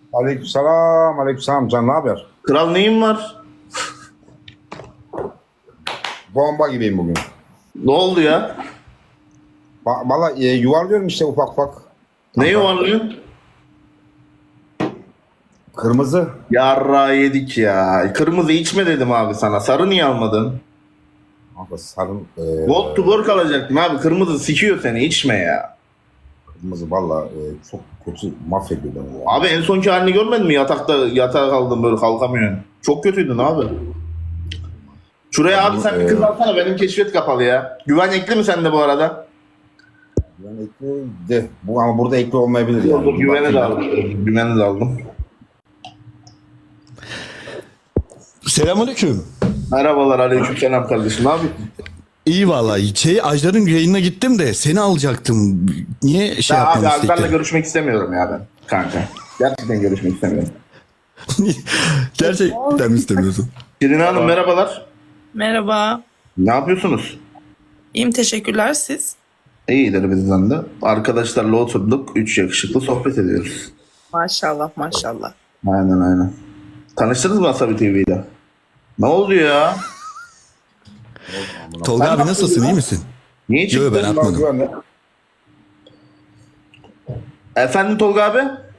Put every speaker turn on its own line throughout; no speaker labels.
Aleykümselam, aleykümselam. Can ne haber?
Kral neyin var?
Bomba gibiyim bugün.
Ne oldu ya?
Valla yuvarlıyorum işte ufak ufak.
Ne yuvarlıyorsun?
Kırmızı.
Yarra yedik ya. Kırmızı içme dedim abi sana. Sarı niye almadın?
Kanka sarım.
Gold to work alacaktım abi. Kırmızı sikiyor seni. İçme ya.
Kırmızı valla çok kötü mahvediyor beni ya.
Abi en sonki halini görmedin mi? Yatağa kaldın böyle kalkamıyorsun. Çok kötüydün abi. Şuraya abi sen bir kız alsana. Benim keşfet kapalı ya. Güven ekli mi sende bu arada?
Yani ekli de. Ama burada ekli olmayabilir yani.
Güveni de aldım. Güveni de aldım.
Selamünaleyküm.
Merhabalar, aleykümselam kardeşim. Ne yapıyorsun?
İyi vallahi. Ajdar'ın yayınına gittim de seni alacaktım. Niye şey
Ben abi
yapmamı
Alper'le
istektin?
görüşmek istemiyorum ya ben kanka. Gerçekten görüşmek istemiyorum.
Gerçekten mi istemiyorsun?
Şirin Hanım merhabalar.
Merhaba.
Ne yapıyorsunuz?
İyiyim, teşekkürler. Siz?
İyidir bizden de. Arkadaşlarla oturduk. 3 yakışıklı sohbet ediyoruz.
Maşallah, maşallah.
Aynen. Tanıştınız mı Asabi TV'de? Ne oldu ya?
Tolga abi nasılsın, iyi misin?
Niye
Yok
çıktın?
ben atmadım.
Güvenli.
Efendim Tolga abi?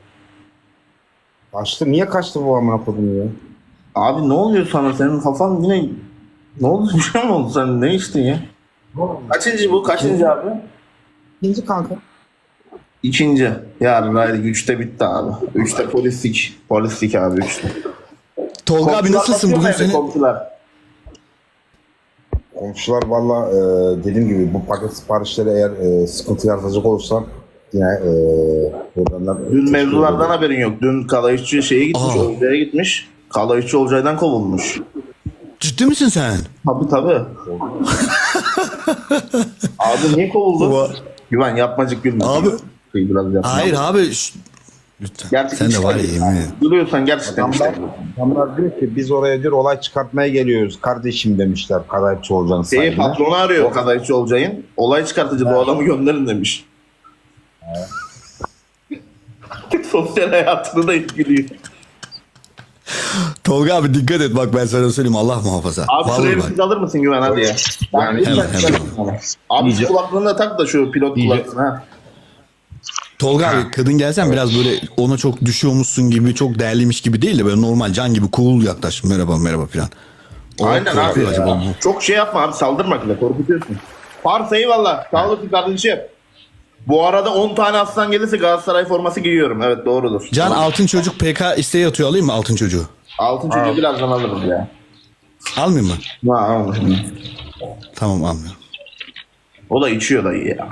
Kaçtı. Niye kaçtı bu amına kodum ya?
Abi ne oluyor sana? Senin kafan yine... Ne oldu? Bir şey mi oldu? Sen ne içtin ya? Kaçıncı bu? Kaçıncı abi?
İkinci kanka.
İkinci. Yarın haydi 3'te bitti abi. 3'te polislik. Polislik abi 3'te.
Tolga abi nasılsın bugün seni?
Komşular.
Komşular valla dediğim gibi bu paket siparişleri eğer sıkıntı yaratacak olursa yine problemler...
Dün mevzulardan haberin yok. Dün Kalayışçı şeye gitmiş,
Aa.
Olcay'a gitmiş. Kalayışçı Olcay'dan kovulmuş.
Ciddi misin sen?
Tabii. Abi niye kovuldu? Güven yapmacık gülme.
Abi.
Biraz yapma.
Hayır abi. Lütfen.
Gerçekten
Sen de var ya yemin ederim.
Gülüyorsan gerçekten
Adamlar,
işte.
adamlar diyor ki biz oraya diyor olay çıkartmaya geliyoruz kardeşim demişler kadayıfçı olacağını sahibine.
Patronu arıyor Kalayışçı Olcay'ın. Olay çıkartıcı bu adamı gönderin demiş. Sosyal hayatını da etkiliyor.
Tolga abi dikkat et bak ben sana söyleyeyim Allah muhafaza.
Abi şuraya
Vallahi
bir
bak.
siz alır mısın Güven hadi ya. Yani
hemen.
Abi şu kulaklığını da tak da şu pilot kulaklığını ha.
Tolga abi kadın gelsen biraz böyle ona çok düşüyormuşsun gibi çok değerliymiş gibi değil de böyle normal can gibi cool yaklaş. Merhaba falan. O
Aynen abi
korkuyor acaba
ya.
bu.
Çok şey yapma abi saldırma bile korkutuyorsun. Pars eyvallah. Sağ olasın kardeşim. Bu arada 10 tane aslan gelirse Galatasaray forması giyiyorum. Evet doğrudur.
Can altın çocuk PK isteği atıyor alayım mı altın çocuğu?
Altın çocuğu birazdan alırız ya.
Almayayım mı?
Ha, alırım.
Tamam almıyorum.
O da içiyor dayı ya.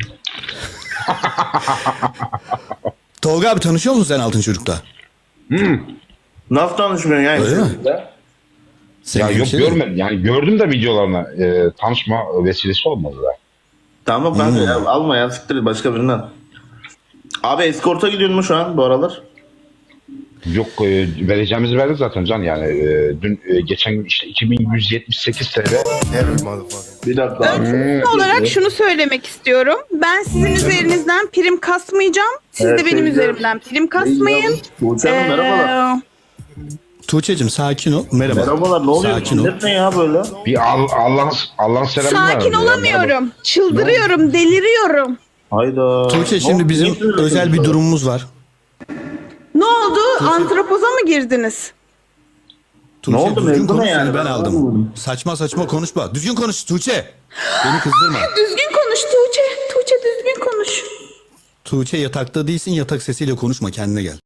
Tolga abi tanışıyor musun sen altın çocukla?
Nasıl tanışmıyorsun ya?
Öyle mi?
Ya
Senin
yok
şey
görmedim yani gördüm de videolarını tanışma vesilesi olmadı da.
Tamam kanka ya, alma ya siktir başka birinden. Abi eskorta gidiyorsun mu şu an bu aralar?
Yok vereceğimizi verdik zaten Can yani dün geçen gün işte 2178 TL.
Bir dakika abi.
Son olarak şunu söylemek istiyorum. Ben sizin üzerinizden prim kasmayacağım. Siz
Evet,
de benim
sevgili-
üzerimden prim kasmayın.
Tuğçe Hanım merhabalar.
Tuğçe'cim sakin ol. Merhaba.
Merhabalar ne oluyor?
Sakin ol.
Millet ne ya böyle?
Bir Allah'ın selamı
Sakin olamıyorum. Çıldırıyorum, deliriyorum.
Hayda.
Tuğçe
Ne
şimdi
oldu?
bizim
Niye söylüyorsun
özel bir
böyle?
durumumuz var.
Ne oldu? Antropoza mı girdiniz?
Tuğçe,
Ne oldu?
düzgün
Mevzu ne
konuş,
yani?
seni ben
Ben
aldım.
anlamadım.
Saçma konuşma. Düzgün konuş Tuğçe. Beni kızdırma.
Düzgün konuş Tuğçe. Tuğçe düzgün konuş.
Tuğçe yatakta değilsin yatak sesiyle konuşma kendine gel.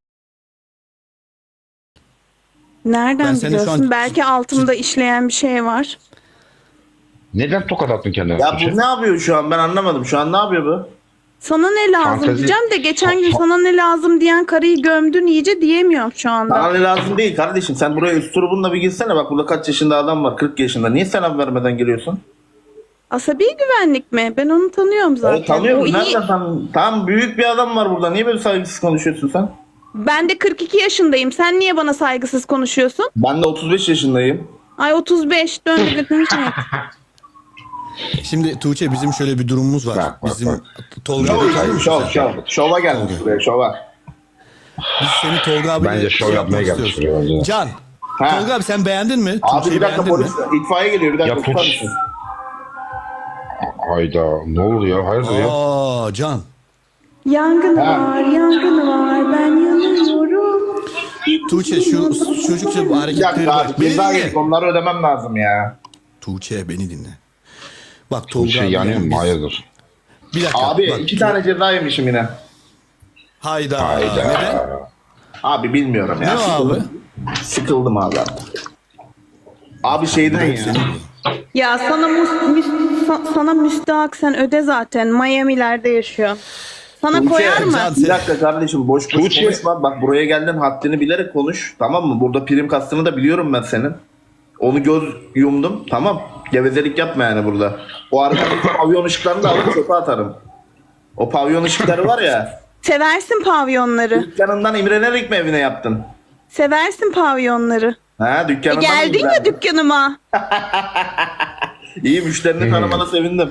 Ben
Nereden
seni şu
biliyorsun?
an-
Belki altımda işleyen bir şey var.
Neden tokat attın kendine?
Ya bu ne yapıyor şu an ben anlamadım. Şu an ne yapıyor bu?
Sana ne lazım
Fantezi-
diyeceğim de geçen gün sana ne lazım diyen karıyı gömdün iyice diyemiyorum şu anda.
Bana ne lazım değil kardeşim. Sen buraya üst turubunla bir girsene. Bak burada kaç yaşında adam var? 40 yaşında. Niye selam vermeden geliyorsun?
Asabi güvenlik mi? Ben onu tanıyorum zaten.
Tanıyor
O
musun?
iyi-
Nereden tanıyorsun? Tam büyük bir adam var burada. Niye böyle saygısız konuşuyorsun sen?
Ben de 42 yaşındayım. Sen niye bana saygısız konuşuyorsun?
Ben de 35 yaşındayım.
Ay 35 döndü götürmüş mü?
Şimdi Tuğçe bizim şöyle bir durumumuz var.
Bak.
Bizim Tolga'da
Şova gelmiş buraya şova.
Biz seni Tolga abiyle
Bence şov yapmaya gelmiş
istiyoruz.
buraya bence.
Can.
Ha.
Tolga abi sen beğendin mi?
Abi
Tuğçe'yi
bir dakika
beğendin mi?
polis itfaiye geliyor bir dakika.
Ya
tutar
polis-
mısın?
Hayda ne oldu ya? Hayırdır ya?
Aa Can.
Yangın var, yangın var. Ben yanıyorum.
Tuğçe şu çocukça bu
Bir
hareketleri
dakika
bak.
abi
Beni
ceza
dinle.
yedik onları ödemem lazım ya.
Tuğçe beni dinle. Bak Tolga
Bir şey
abi.
yanıyor
yani
mu?
biz-
Hayırdır?
Bir dakika.
Abi
bak,
2 tane ceza yemişim yine.
Hayda.
Hayda.
Neden?
Abi bilmiyorum ya.
Ne o abi?
Sıkıldım abi. Abi şeyden ya.
Ya sana müstahak, sen öde zaten. Miami'lerde yaşıyorsun. Sana
Tuğçe,
koyar mı?
Can-
Bir dakika kardeşim boş boş
Tuğçe-
konuşma. Bak buraya geldin haddini bilerek konuş. Tamam mı? Burada prim kastını da biliyorum ben senin. Onu göz yumdum. Tamam. Gevezelik yapma yani burada. O arkadaki pavyon ışıklarını da alıp çöpe atarım. O pavyon ışıkları var ya.
Seversin pavyonları.
Dükkanından imrenerek mi evine yaptın?
Seversin pavyonları.
Ha dükkanından
Geldin ya
imrendin.
dükkanıma.
İyi müşterini tanımana sevindim.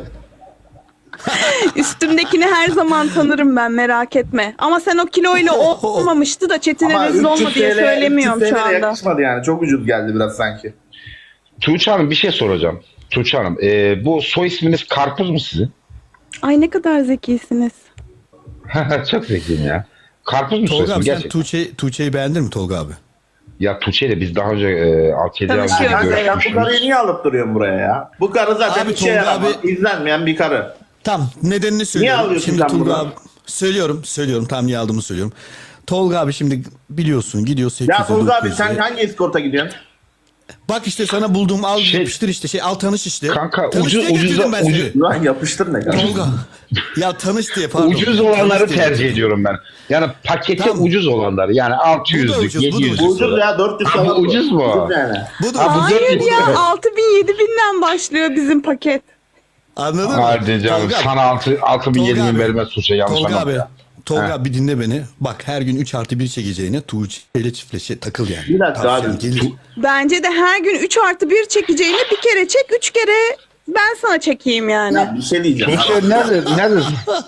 Üstümdekini her zaman tanırım ben, merak etme. Ama sen o kiloyla olmamıştı da Çetin'e
Ama
rezil olma
300
diye
TL
söylemiyorum
300
şu
TL
anda.
yakışmadı yani. Çok ucuz geldi biraz sanki.
Tuğçe Hanım bir şey soracağım. Tuğçe Hanım bu soy isminiz Karpuz mu sizin?
Ay ne kadar zekisiniz.
Çok zekiyim ya. Karpuz mu soy
Tolga
ismi
abi sen
gerçekten?
Tuğçe'yi beğendin mi Tolga abi?
Ya Tuğçe ile biz daha önce 6-7 ay önce
Tanışıyoruz.
Kanka ya bu karıyı
görüşmüştük.
niye alıp duruyorsun buraya ya? Bu karı zaten
Abi
bir şey
Tolga
yaramaz.
abi-
İzlenmeyen bir karı.
Tam nedenini söylüyorum.
alıyorsun
Şimdi
sen
Tolga
bunu?
abi söylüyorum tam niye aldığımı söylüyorum. Tolga abi şimdi biliyorsun gidiyor 8'e
Ya Tolga abi
9'e.
sen hangi eskorta gidiyorsun?
Bak işte sana bulduğum al
Şey-
yapıştır işte al tanış işte.
Kanka,
Tanış
ucuz-
diye getirdim
ucuza-
ben seni.
Lan yapıştır ne kadar?
Tolga. Ya tanış diye pardon.
Ucuz olanları
Tanış diye.
tercih ediyorum ben. Yani pakette
Tamam.
ucuz olanları. Yani
Bu da
600'lük,
ucuz, bu da
700'lük.
ucuz.
Ucuz ya 400
Ha, bu
falan.
ucuz mu?
Ucuz yani.
Bu da
Ha, bu
ucuz.
400
Hayır ya,
lira.
6000-7000'den başlıyor bizim paket.
Anladın mı?
Hadi canım
Tolga,
sana 6 bin
Tolga
7 bin
abi.
vermez Tuğçe yanlış
Tolga
anlama
abi.
ya.
Tolga
Ha.
abi dinle beni. Bak her gün 3+1 çekeceğine Tuğçe ile çiftleşe takıl yani.
Bir dakika
Tavsiyem
abi.
gelir.
Bence de her gün 3+1 çekeceğini bir kere çek, 3 kere ben sana çekeyim yani.
Ya bir şey diyeceğim.
Tuğçe nerede?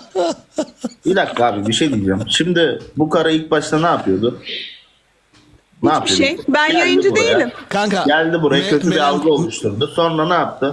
Bir dakika abi bir şey diyeceğim. Şimdi bu karı ilk başta ne yapıyordu? Ne
Hiçbir şey. Ben
Geldi
yayıncı
buraya.
değilim.
Kanka.
Geldi buraya
Me-
kötü bir
Meral-
algı oluşturdu. Sonra ne yaptı?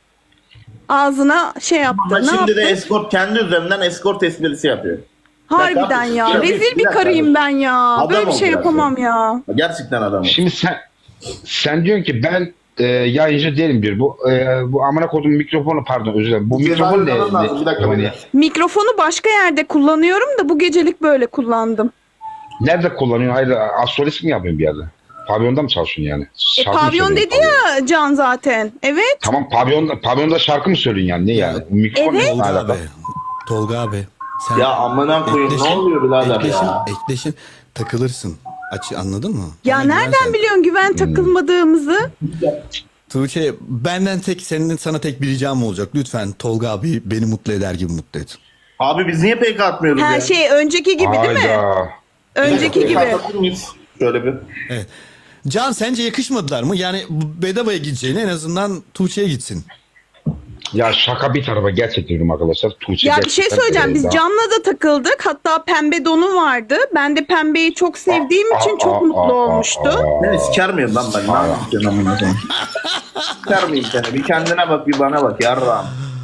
Ağzına şey yaptı.
Ama
Ne
şimdi de
yaptı?
eskort kendi üzerinden eskort esprisi yapıyor.
Harbiden
Ya
ya.
kardeşim,
Rezil
bir
bir
dakika
karıyım
abi.
ben ya.
Adam
Böyle bir
ol
şey
biraz
yapamam ya.
Gerçekten adam.
Şimdi sen diyorsun ki ben yayıncı değilim bir. Bu amına koduğum mikrofonu pardon özür dilerim. Bu mikrofon ne?
Bir dakika.
Hani
Mikrofonu başka yerde kullanıyorum da bu gecelik böyle kullandım.
nerede kullanıyorsun? Hayır astrolist mi yapıyorsun bir yerde? Pavyonda mı çalışıyorsun yani? Şarkı mı
Pavyon
söylüyorsun
dedi ya Can zaten. Evet.
Tamam pavyonda şarkı mı söylüyorsun yani? Ne yani? Mikrofon
Evet.
ne
Tolga
alaka?
abi. Tolga abi. Sen
Ya amına koyayım ne oluyor birader ya?
Ekleşin takılırsın. Anladın mı?
Ya
Bana
nereden
güvensen.
biliyorsun güven takılmadığımızı?
Tuğçe benden sana tek bir ricam olacak. Lütfen Tolga abi beni mutlu eder gibi mutlu et.
Abi biz niye PK atmıyoruz ya?
Her şey önceki gibi değil mi?
Hayda.
Önceki
PK
gibi.
atabilir miyiz? Şöyle bir.
Evet. Can sence yakışmadılar mı? Yani bedavaya gideceğine en azından Tuğçe'ye gitsin.
Ya şaka bir tarafa gerçekten diyorum arkadaşlar. Tuğçe
Ya bir şey
gerçekten,
söyleyeceğim. Biz
daha-
Can'la da takıldık. Hatta pembe donu vardı. Ben de pembeyi çok sevdiğim için çok mutlu olmuştu.
Beni siker miyim lan ben? Ne yapıyorsun amına koyayım? Siker miyim seni? Bir kendine bak bir bana bak yarrağım.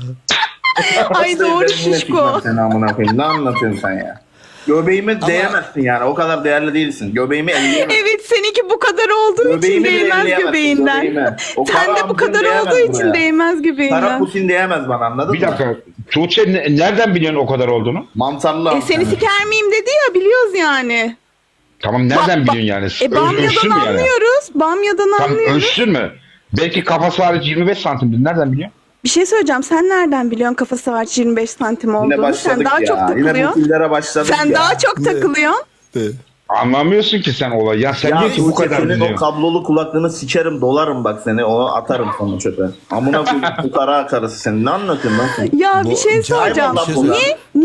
Ay doğru
Ben yine
şişko.
sikmem seni amına koyayım. Ne anlatıyorsun sen ya? Göbeğime değemezsin yani. O kadar değerli değilsin. Göbeğimi elleyemezsin.
Evet seninki bu kadar olduğu için
Göbeğimi bile
değmez
elleyemezsin,
göbeğinden.
göbeğime. O
Sen
kara
de bu
amcın
kadar
değemez
olduğu için
buraya.
değmez
Kara
göbeğinden.
pusin değemez bana anladın
Bir
mı?
dakika. Tuğçe nereden biliyorsun o kadar olduğunu?
Mantarlı am
Seni
seni.
siker miyim dedi ya, biliyoruz yani.
Tamam nereden biliyorsun yani? Ölçtün
Bamya'dan
mü yani?
anlıyoruz. Bamya'dan
Tam
anlıyoruz.
ölçtün mü? Belki kafası hariç 25 santimdir. Nereden biliyorsun?
Bir şey söyleyeceğim. Sen nereden biliyorsun kafası var 25 santim
Yine
olduğunu?
başladık
Sen daha
ya.
çok
Yine bu
takılıyorsun.
fillere başladık
Sen
ya.
daha çok takılıyorsun.
Anlamıyorsun ki sen olayı. Ya sen
Ya
diyor ki bu
Tuğçe
kadar
senin o
biliyorsun.
kablolu kulaklığını sikerim dolarım bak seni onu atarım sana çöpe. Amına koyayım bu kara karısı sen ne anlatıyorsun lan sen?
Ya
Bu-
bir şey soracağım.
Hayvan lan bu.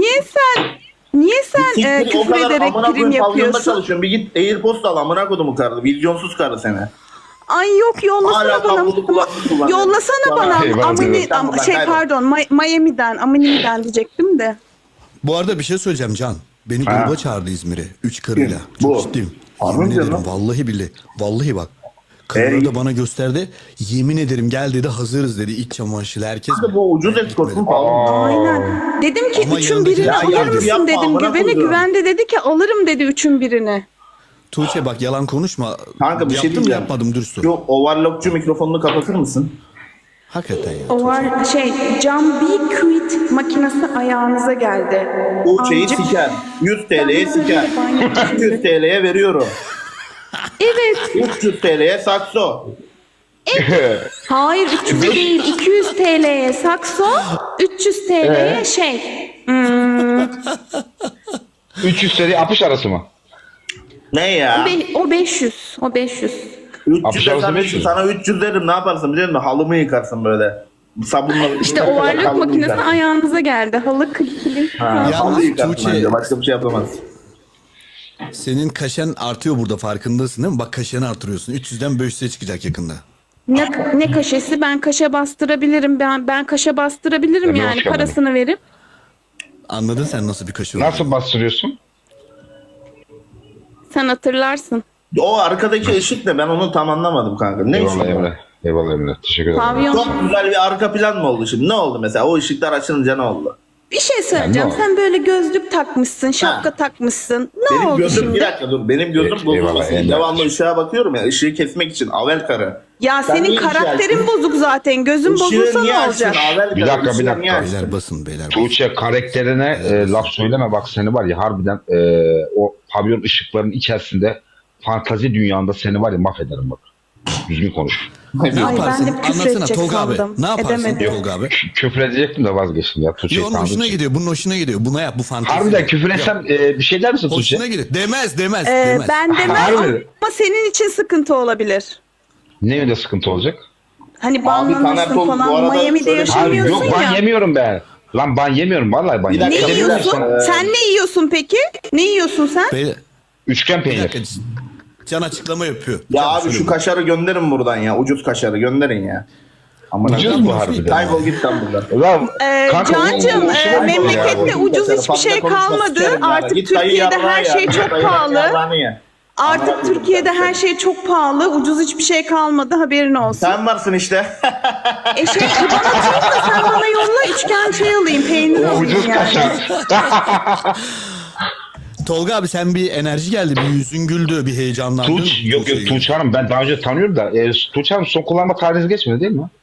Niye sen
Siktir, o
küfür
kadar
ederek
amına
prim
koyayım pavyonda
yapıyorsun?
çalışıyorsun. Bir git Airpost al amına kodumu karı. Vizyonsuz karı seni.
Ay yok yollasana
Hala
bana.
kablolu kulaklık kullanıyor.
Yollasana bana.
Eyvallah,
Amini,
eyvallah.
pardon Miami'den, Amini'den diyecektim de.
Bu arada bir şey söyleyeceğim Can. Beni
Ha.
gruba çağırdı İzmir'e. 3 karıyla.
Kim?
Çok
Bu.
ciddiyim.
Harbi
Yemin
mi diyorsun
ederim.
lan?
Vallahi billahi. Vallahi bak. Karıları
Ey.
da bana gösterdi. Yemin ederim gel dedi, hazırız dedi. İç çamaşırı herkes.
Kanka bu ucuz eskort mu pahalı mı?
Aynen. Dedim ki
Ama
üçün
yanındaki-
birini
Ya
alır
yapma,
mısın
yapma,
dedim.
amına
Güvene
koyduğum.
güvende dedi ki alırım dedi üçün birini.
Tuğçe bak yalan konuşma.
Kanka bir şey
Yaptım mı
diyeceğim.
yapmadım dürüst ol.
Şu overlockçu mikrofonunu kapatır mısın?
Hakikaten ya.
O var Cam Be Quit makinesi ayağınıza geldi.
Tuğçe'yi
Amcık.
siker. 100 TL'ye
Ben
siker.
böyle banyo
200 TL'ye veriyorum.
Evet.
300 TL'ye sakso.
Hayır 300 değil 200 TL'ye sakso, 300 TL'ye şey.
300 seri 60 arası mı?
Ne ya?
O 500. O 500.
300
Apışar
desem
olsa 500.
sana 300 derim, ne yaparsın biliyor musun? Halımı yıkarsın böyle. Sabunla.
İşte overlock
Halımı
makinesi
yıkarsın.
ayağınıza geldi. Halı kilim.
Ha,
Yalnız
halı yıkarsın
Tuğçe-
bence. Başka bir şey yapamaz.
Senin kaşen artıyor burada, farkındasın değil mi? Bak kaşeni artırıyorsun. 300'den 500'e çıkacak yakında.
Ne kaşesi? Ben kaşe bastırabilirim. Ben kaşe bastırabilirim
Tabii,
yani
hoş geldin.
parasını verip.
Anladın sen nasıl bir kaşı olduğunu.
Nasıl bastırıyorsun?
Sen hatırlarsın.
O arkadaki ışık ne? Ben onu tam anlamadım kanka. Ne
Eyvallah
ışık?
Emre. Eyvallah Emre. Teşekkür ederim.
Pavyon.
Çok güzel bir arka plan mı oldu şimdi? Ne oldu mesela? O ışıklar açılınca ne oldu?
Bir şey söyleyeceğim.
Yani
Sen böyle gözlük takmışsın, şapka takmışsın. Ne
Benim
oldu
gözüm,
şimdi?
bir dakika dur. Benim gözüm
Evet,
bozulmasın.
eyvallah, eyvallah.
Devamlı ışığa bakıyorum ya. Işığı kesmek için. Avel karı.
Ya
Sen
senin
niye
karakterin
işaretsin?
bozuk zaten. Gözün
Işığı
bozulsa
niye
ne
açtın?
olacak?
Avel
Bir
karı,
dakika,
ışığı
bir dakika.
niye açtın?
Beyler basın, beyler basın.
Tuğçe karakterine laf söyleme bak, seni var ya harbiden o pavyon ışıklarının içerisinde fantazi dünyanda seni var ya mahvederim bak. Düzgün konuş.
Ne
Ay,
yaparsın?
ben de küfür
Anlatsana
edecek
Tolga abi.
sandım.
Ne yaparsın
Edemedim.
Tolga abi?
Küfür edecektim de vazgeçtim ya Tuğçe'yi
Ya onun
tanıdığım
hoşuna
için.
gidiyor. Bunun hoşuna gidiyor. Buna yap, bu fantezi.
Harbiden küfür etsem bir şey der misin Tuğçe?
Hoşuna gidiyor. Demez. Demez.
Ben demem
Harbi.
ama senin için sıkıntı olabilir.
Ne öyle sıkıntı olacak?
Hani
Taner
banlanırsın
Tol- bu
falan.
arada
Miami'de
şöyle-
Abi
yaşamıyorsun
yok ban
ya.
yemiyorum ben. Lan ban yemiyorum vallahi ban
Bir dakika,
Ne
yemiyorum.
bir
yiyorsun?
dakika.
Sen ne yiyorsun peki? Ne yiyorsun sen?
Beyler,
Üçgen
bir
peynir.
dakika. Can açıklama yapıyor.
Ya
Can
abi
söyle
şu
bunu.
kaşarı gönderin buradan ya. Ucuz kaşarı gönderin ya. Aman
Ucuz
Allah'ım.
mu harbiden?
Kaybol git lan buradan.
Lan kanka,
Cancığım
o şey var ya.
memlekette ucuz hiçbir şey kalmadı. Artık Türkiye'de her şey çok pahalı. Artık Türkiye'de her şey çok pahalı. Ucuz hiçbir şey kalmadı. Haberin olsun.
Sen varsın işte.
İban atayım da sen bana yolla üçgen şey alayım. Peynir
O
alayım
ucuz
yani.
kaşar.
Tolga abi sen bir enerji geldi. Bir yüzün güldü. Bir heyecanlandın.
Yok
Tuğçe'yi
Tuğçe Hanım ben daha önce tanıyorum da Tuğçe Hanım son kullanma tarihi geçmedi değil mi?